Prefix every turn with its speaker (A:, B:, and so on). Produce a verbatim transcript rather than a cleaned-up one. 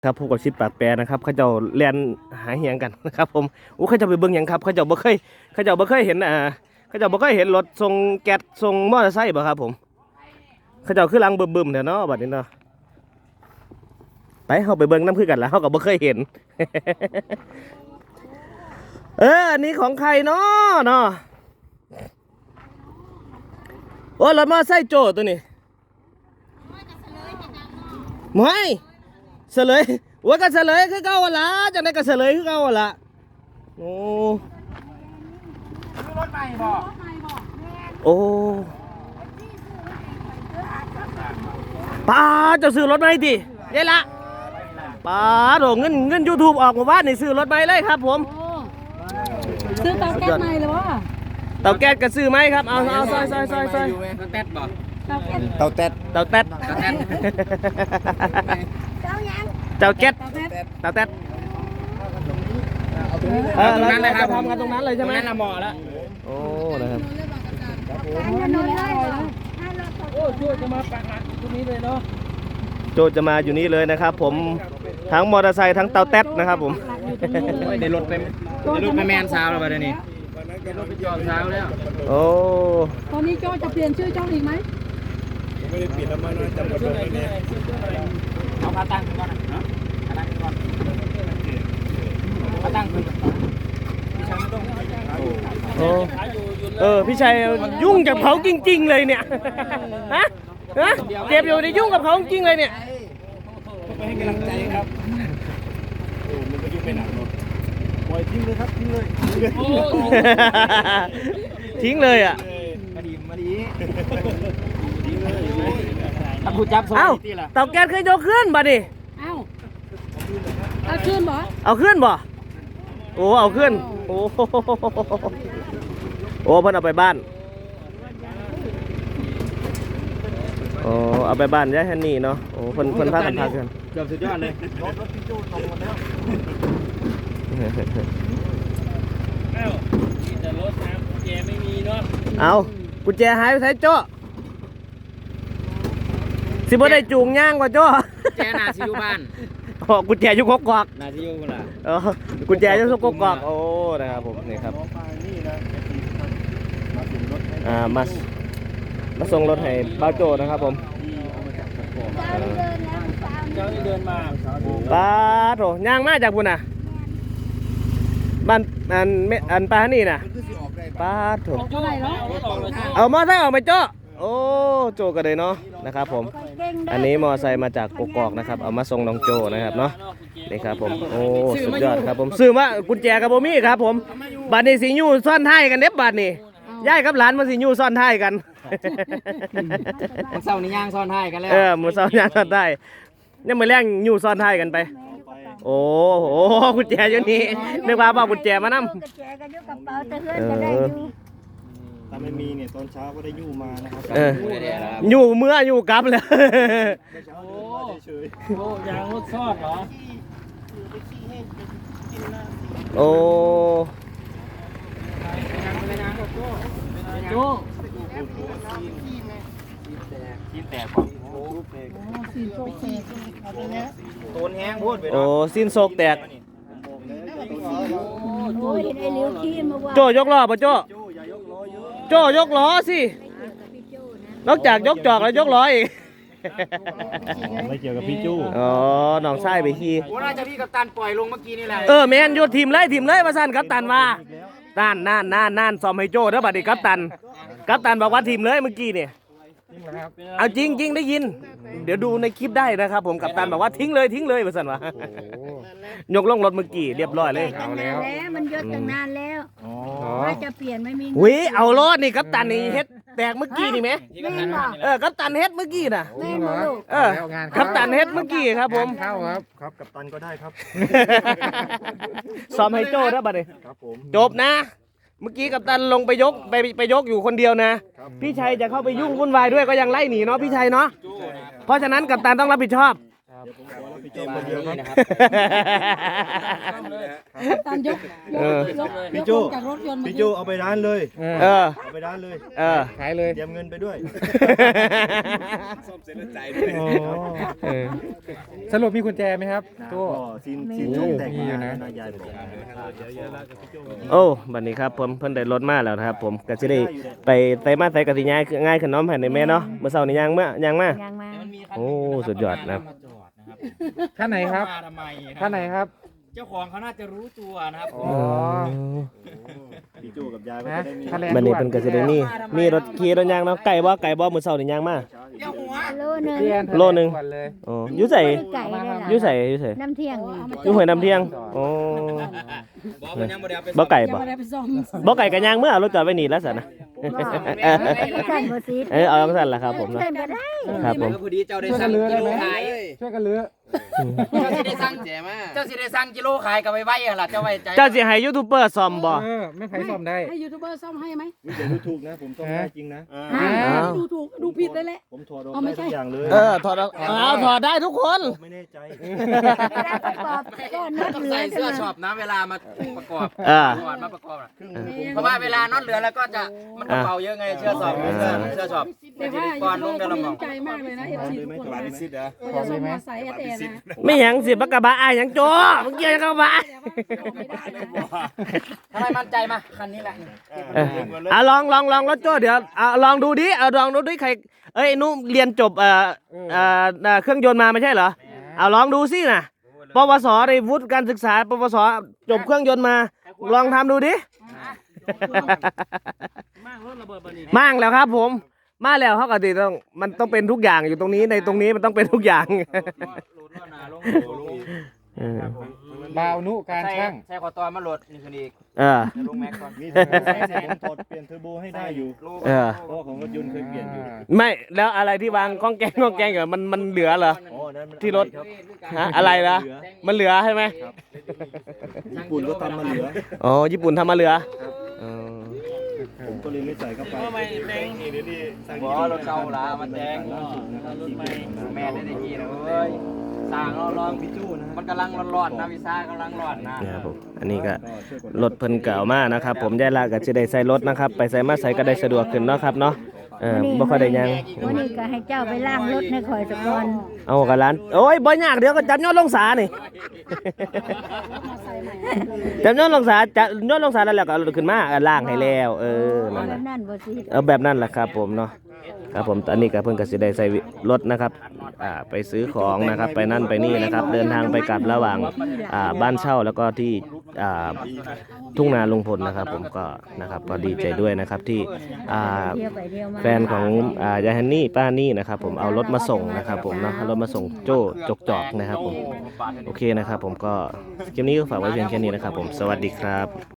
A: ครับพบกับชิปปากแปรนะครับเขาเจ้าเรียนหาเหียงกันนะครับผมอู้เขาเจ้าไปเบิ่งหยังครับเขาเจ้าบ่เคยเขาเจ้าบ่เคยเห็นอ่าเขาเจ้าบ่เคยเห็นรถส่งแก๊สส่งมอเตอร์ไซค์บ่ครับผมเขาเจ้าคือลังบึมๆเด้อเนาะบัดนี้เนาะไปเฮาไปเบิ่งน้ำคือกันแล้วเฮาก็บ่เคยเห็น เอออันนี้ของใครเนาะเนาะโอ้รถมอเตอร์ไซค์โจตัวนี้ไม่เสลยว่ากันเสลยคือเก่าหั่นล่ะจังได๋ก็เสลยคือเก่าหั่นล่ะโอ้
B: ซื้อรถใหม่บ่
A: โอ้ป้าเจ้าซื้อรถใหม่ติเด้ละป้าโดเงินเงิน YouTube ออกมาว่านี่ซื้อรถใหม่เลยครับผม
C: ซื้อเตาแก๊สใหม่เลยวะ
A: เตาแก๊สก็ซื้อไหมครับเอาเอาซอยซอยซอยซอย
B: เตาแต๊ดบ่
C: เตาแก๊ส
B: เตาแต๊ด
A: เตาแต๊ด
C: เตาแก๊ส
A: เตาแก๊ส
C: เตาแก๊ส
A: เตาแต๊ด
B: เออตรงนั้นเลยครับ
A: ทำกันตรงนั้นเลยใช่ไหม
B: ตรงนั้นละหมอแล้ว
A: โอ้นะครับ
B: โอ้ช่วยจะมาปักหลักตรงนี้เลยเนาะ
A: โจจะมาอยู่นี่เลยนะครับผมทั้งมอเตอร์ไซค์ทั้งเตาแต๊ดนะครับผม
B: ได้รถไปได้รถไปแมนซาวแล้วป่ะเดี๋ยวนี้ได้รถไปจอดซาวแล้ว
A: โอ้
C: ตอนนี้โจจะเปลี่ยนชื่อโจอีกไหม
B: ไม่ได้เปลี่ยนแล้วมันจำชื่ออะไรเนี่ยเอาขาตั้งก่อนนะเนาะขาตั้งก่อนขาตั้งคือ
A: โอ้เออพี่ชัยยุ่งกับเขาจริงๆเลยเนี่ยฮะฮะเจ็บอยู่ในยุ่งกับเขาจริงเลยเนี่ย
B: ไปให้กำลังใจครับโอ้มันก็ยุ่งไปหนักเนาะปล่อยทิ้งเลยครับทิ้งเลย
A: ทิ้งเลยอ่ะ
B: มาดีมาดีทิ้งเลยถ้าผู้จับส่งที่ล่ะ
A: เตาแก๊สเคยยกขึ้นบ่ดิ
C: เอ้าเอาขึ้นบ่
A: เอาขึ้นบ่โอ้เอาขึ้นโอ้โอ้เพิ่นเอาไปบ้านโอ้เอาไปบ้านยายฮันนี่เนาะโอ้เพิ่นเพิ่นพากันพากัน
B: เกือบสุดยอดเลยรถรถพี่จู้ตรงหมดแล้วเอ้าแต่รถน้ำกุญแจไม่มีเนาะ
A: เอากุญแจหายไปไสโจ้สิบ่ได้จูงย่างกว่าโจ้
B: แจน่าสิอยู่บ้าน
A: อ๋อกุญแจอยู่กกอก
B: น่าสิอยู่พุ่นล่ะ
A: เออกุญแจอยู่กกอกโอ้นะครับผมนี่ครับอ่ามามาส่งรถให้บ้าวโจนะครับผม
B: เจ้านี่เดินมา
A: ป้าโถย่างมาจากพุ่นน่ะบ้านอันอันป้านี่น่ะป้าโถ
C: เท่าไหร่แล้ว
A: เอามอไซค์ออกไปโจ้โอ้โจกันเลยเนาะนะครับผมอันนี้มอไซค์มาจากกกอกนะครับเอามาส่งน้องโจนะครับเนาะนี่ครับผมโอ้สุดยอดครับผมซื้อมากุญแจกับโบมี่ครับผมบัดนี้สิยูซ่อนท้ายกันเด็บบัดนี้ย่ายกับหลานมาสิยูซ่อนท้ายกัน
B: มันเศร้านี่ย่างซ่อนท้ายกันแล้ว
A: เออมือเศร้าย่างซ่อนท้ายนี่มือแรงยูซ่อนท้ายกันไปโอ้โหกุญแจอยู่นี่นึกว่าบอกกุญแจมานำ
C: กุญแจก็อยู่กระเป๋าแต่เฮือนจะได้อยู่
B: ถ้าไม่มีเนี่ยตอนเช้าก็ได้ยู่มานะครับ
A: เอออยู่เมื่ออยู่กลับเลย
B: โอ้โหยางรถซอดเหรอ
A: โอ้
B: โจ้ซีนแตกป่ะ
C: ซีนโชคแตก
B: โตนแห้งพูดไป
A: โอ้ซีนโศกแตก
C: โอ้ยเห็นไอ้เหลียวขี้มาว่า
A: โจยกล้อป่ะโจโจยกล้อสินอกจากยกจอกแล้วยกล้ออีก
B: ไม่เกี่ยวกับพี่จู้
A: อ๋อน้องไส้ไปขี่
B: โอ้น่าจะพี่กัปตันปล่อยลงเมื่อกี้นี่แหละ
A: เออแมนโยนทีมเลยทีมเลยมาสั่นกัปตันว่านั่นนั่นนั่นนั่นซ้อมให้โจ้แล้วบัดนี้กัปตันกัปตันบอกว่าทีมเลยเมื่อกี้เนี่ยเอาจริงจริงได้ยินเดี๋ยวดูในคลิปได้นะครับผมกัปตันบอกว่าทิ้งเลยทิ้งเลยมาสั่นว่ายกลงรถเมื่อกี้เรียบร้อยเลย
C: เอาแล้วมันยศตั้งนานแล้วว่าจะเปลี่ยนไม่มี
A: วิเอารถนี่กัปตันนี่เฮ็ดแตกเมื่อกี้นี่ไหมเออกัปตันเฮ็ดเมื่อกี้น่ะเออกัปตันเฮ็ดเมื่อกี้ครับผม
B: เข้าครับครับกัปตันก็ได้ครับ
A: ซ้อมให้โจ้แล้วบัดนี้จบนะเมื่อกี้กัปตันลงไปยกไปไปยกอยู่คนเดียวนะพี่ชัยจะเข้าไปยุ่งวุ่นวายด้วยก็ยังไล่หนีเนาะพี่ชัยเนาะเพราะฉะนั้นกัปตันต้องรับผิดชอบ
B: เดี๋ยวผมขอรับผิดชอบคนเดียวครับ
D: นะครับ
E: ตามยกย
A: เอก อย
E: ก
B: พี่
E: ยก
B: โจ้
E: ลงจากรถยนต์
B: พี่โจเอาไปร้านเลย
A: เออ
B: เอาไปร้านเลย
A: เออ
D: ขายเลย
B: เตรียมเงินไปด้วย
F: ซ่อมเสร็จแล้วจ่ายด้วย
D: อ๋อ
A: เออ
D: สรุปมีกุญแจไหมครับตัว
B: ก็ซินซินช่องแตก
D: มีอยู่นะ
B: นายยายบอก
A: โอ้บัดนี้ครับผมเพิ่นได้รถมาแล้วนะครับ ผมก็สิได้ไปไสมาไสก็สิง่ายคือง่ายขึ้นเน้อมให้ในแม่เนาะเมื่อเช้านี้ย่างมาย่างมา
C: ยังมา
A: โอ้สุดยอดนะครับ
D: ท่านไหนครับ
G: มาทำไมครับ
D: ท่านไหนครับ
G: เจ้าของเขาน่าจะรู้ตัวนะครับ
D: อ๋อ
B: พี่โจกับยายก็จะได้มี
D: ค่าแรง
A: บัดนี้เพิ่นก็สิได้มีมีรถขี่รถย่างเนาะไก่บ่ไก่บ่มื้อเช้านี้ย่างมา
G: เจ้าหัว
C: โลนึง
D: เรียน
A: โลหนึ่ง
D: ก่อเลย
A: อ๋ออยู่ไส
C: ไก่เลยล่ะ
A: อยู่ไสอยู่ไส
C: น้ำเที่ยงนี่
A: อยู่ห้วยน้ำเที่ยงโอ้
G: บอกมันยังบ่ได้เอาไป
A: บ่ไก่
E: ยัง
A: บ่
E: ไม่ได้ไปซ่อม
A: บ่ไก่ก็ย่างเมื่อเอารถจอดไว้นี่แล้วซั่นนะ
C: บ่สั่นบ่ซีด
A: เออเอาจังซั่นล่ะครับผมเนาะ
C: เส้นบ่ได้
A: ครับผม
G: เออพอดีเจ้าได้
D: ช่วยกั
G: สั่
D: น
G: ง
D: เลือ
G: กิ
D: ได้
G: โล
D: ไหม
G: ขาย
D: ช่วยกันเลือ
G: เจ้าสิได้สั่งแจมาเจ้าสิได้สั่งกิโลขายกับไว้ไว้หั่นล่ะเจ้าไว้ใจ
A: เจ้าสิให้ยูทูบเบอร์ซ่อมบ่
D: เออไม่ไผซ่อมได้
E: ให้ยูทูบเบอร์ซ่อมให้ไหม
B: เดี๋ยวดูถูกนะ ผมต้องได้จริงนะ
C: อ่า
A: อ้าว
E: ดูถูกดูผิดเลยแหละ
B: ผมถอดออก
E: เอาไม่
B: ได้
E: ใช่
B: ทุกอย่างเลย
A: เออถอดเอาเอาถอดได้ทุกคน
B: ไม่แน่ใจ
C: เวลาประกอบก็น็อต
G: ต้อง
C: เหลือ
G: ใส่
C: ใช่
G: เสื้อ
C: ไหม
G: ช็อปนะเวลามาประกอบ
A: เออ
G: ก่อนมาประกอบน่ะ
B: เครื่องมือผม
G: เพราะว่าเวลาน็อตเหลือแล้วก็จะมันกระเป๋าเยอะไงเสื้อช็อปเสื้อเสื้อช็อป
E: แต่ว่ายู
G: ก่อนล
E: ทู
G: ง
E: บเบ
G: เดื
E: อ
G: อน
E: ร์
G: ละ
E: ก็
G: หม
E: มี
G: อง
E: ใจมากเลยนะเอฟซีทุกคน
F: บา
E: นะ
F: ลิซิดเหรอ
E: เราจะซ่อมมอไซค์แอร์นะ
A: ไม่หยังสิบักกะบะอายหยังโจ้มึงเกี่ยวกับกะบะ
G: ทำไมมั่นใจมาคันนี้แหละ
A: เอออ่ะลองลองลองรถโจ้เดี๋ยวอ่ะลองดูดิเอาลองดูดิใครเอ้ยนุเรียนจบเอ่อเอ่อเอ่อเครื่องยนต์มาไม่ใช่เหรอเอาลองดูสิน่ะปวสในวุฒิการศึกษาปวสจบเครื่องยนต์มา ลองทำดูดิมั่งแล้วครับผมมาแล้วเขาก็ติต้องมันต้องเป็นทุกอย่างอยู่ตรงนี้ในตรงนี้มันต้องเป็นทุกอย่าง
G: โหลดล้อหน้าลงโหลดลง
A: เออ
D: บาวนุการช่าง
G: ใช้ขอตอนมาโหลดนี่คืออีก
A: เออ
G: จะลงแม็กก่อน
B: มีเทอร์โบผมถอดเปลี่ยนเทอร์โบให้ได้อยู่
A: เออ
B: เพราะว่าของรถยนต์เคยเปลี่ยนอยู่
A: ไม่แล้วอะไรที่วางข้องแกงข้องแกงอยู่มันมันเหลือเหรอ
B: อ๋อนั่นมัน
A: ที่รถ
B: ครับ
A: ฮะอะไรนะมันเหลือใช่ไหม
B: ญี่ปุ่นก็ทำมาเหลือ
A: อ๋อญี่ปุ่นทำมาเหลืออ๋อ
B: ผมก็เลยไม่ใส่เข้าไป
G: บอรถเก่าละมาแจ้งรถใหม่แม่ได้ได้กี่นะเว้ยสร้างเราลองพิจูนะมันกำลังร้อนๆนะวิซ่ากำลังร้อนนะ
A: เนี่ยครับผมอันนี้ก็รถเพิ่นเก่ามากนะครับ ผมยายลาก็จะได้ใส่รถนะครับ ไปใส่มาใส่ก็ได้สะดวกขึ้นเนาะครับเนาะเออบ่ค่อยได้หยัง
C: วันนี้ก็ให้เจ้าไปล้างรถให้ข่อยสักก่อน
A: เอากับร้านโอ้ยบ่ยากเดี๋ยวก็จับยอดลงสานี่ จับยอดลงสาจับยอดลงสาแล้วแล้วก็เอารถขึ้นมาเอาล่างให้แล้วเออ
C: เอา
A: นั่น
C: แบ
A: น่ะ
C: บนั้นบ่ซีด
A: เอาแบบนั้นแหละครับผมเนาะครับผมตอนนี้ก็เพิ่งก็สิได้ใส่รถนะครับอ่าไปซื้อของนะครับไปนั่นไปนี่นะครับ เดินทางไปกลับระหว่างอ่าบ้านเช่าแล้วก็ที่อ่าทุ่งนาลุงพลนะครับ ผมก็นะครับก็ดีใจด้วยนะครับที่อ่า
C: เที่ยวไปเที่ยวมา
A: แฟนของอ่ายายฮันนี่ป้านี่นะครับ ผมเอารถมาส่งนะครับ ผมเนาะเอารถมาส่งโจ้จกจอกนะครับผมโอเคนะครับ ผมก็คลิปนี้ก็ฝากไว้เพียงแค่นี้นะครับ ผมสวัสดีครับ